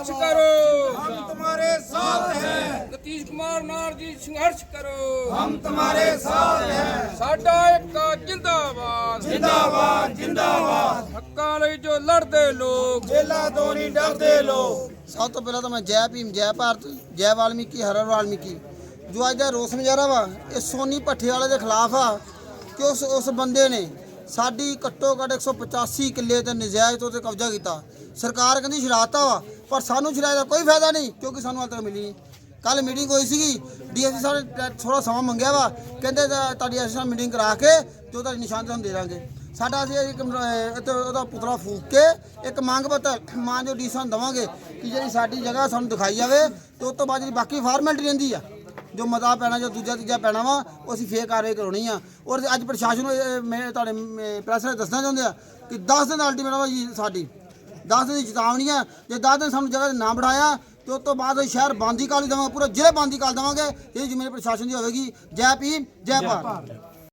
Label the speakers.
Speaker 1: संघर्ष करो,
Speaker 2: हम तुम्हारे साथ हैं,
Speaker 1: नीतीश कुमार नार जी संघर्ष करो,
Speaker 2: हम तुम्हारे साथ हैं,
Speaker 1: साडा एक जिंदाबाद,
Speaker 2: जिंदाबाद जिंदाबाद।
Speaker 1: हक्कां लई जो लड़दे लोग,
Speaker 2: जेला तो नहीं डरते लोग।
Speaker 3: सब तो पहला तो मैं जय भीम जय भारत जय वाल्मीकि हर हर वाल्मीकि जो अज का रोस मुजाहरा वा ये सोनी भट्ठे वाले के खिलाफ आ कि उस बंदे ने साडी घट्टो घट 185 किले ते नजायज़ तो कब्जा किया। सरकार कहती शरारता वा पर सानू शरारत का कोई फायदा नहीं क्योंकि सानू हाल तक मिली नहीं। कल मीटिंग हुई सी DSP साहब ने थोड़ा समा मंगया वा कहते तुहाडी असीं मीटिंग करा के जो तुहाडी निशान तुहानूं दे देंगे। साडा असीं एक ਉਹਦਾ पुतला फूक के एक मंग पत्र मां जो डी सानूं देवांगे कि ਜਿਹੜੀ ਸਾਡੀ ਜਗ੍ਹਾ ਸਾਨੂੰ ਦਿਖਾਈ ਜਾਵੇ ਤੇ ਉਸ ਤੋਂ ਬਾਅਦ ਜਿਹੜੀ ਬਾਕੀ ਫਾਰਮੈਲਿਟੀ ਰਹਿੰਦੀ ਆ जो मता पैना जो दूजा तीजा पैना वा वो असीं फेर कार्रवाई करानी आ। और अज प्रशासन मैं तुहाडे प्रैस ने दसना चाहुंदे आ कि 10 दिन अल्टीमेटम जी साडी 10 दिन की चेतावनी है। जे 10 दिन सानूं जगह ना बढ़ाया तो उस तो बाद शहर बंद ही कर देवांगे, पूरा जिले बंद ही कर देवांगे। ये जिम्मेदारी प्रशासन की होगी। जय भीम जय भारत।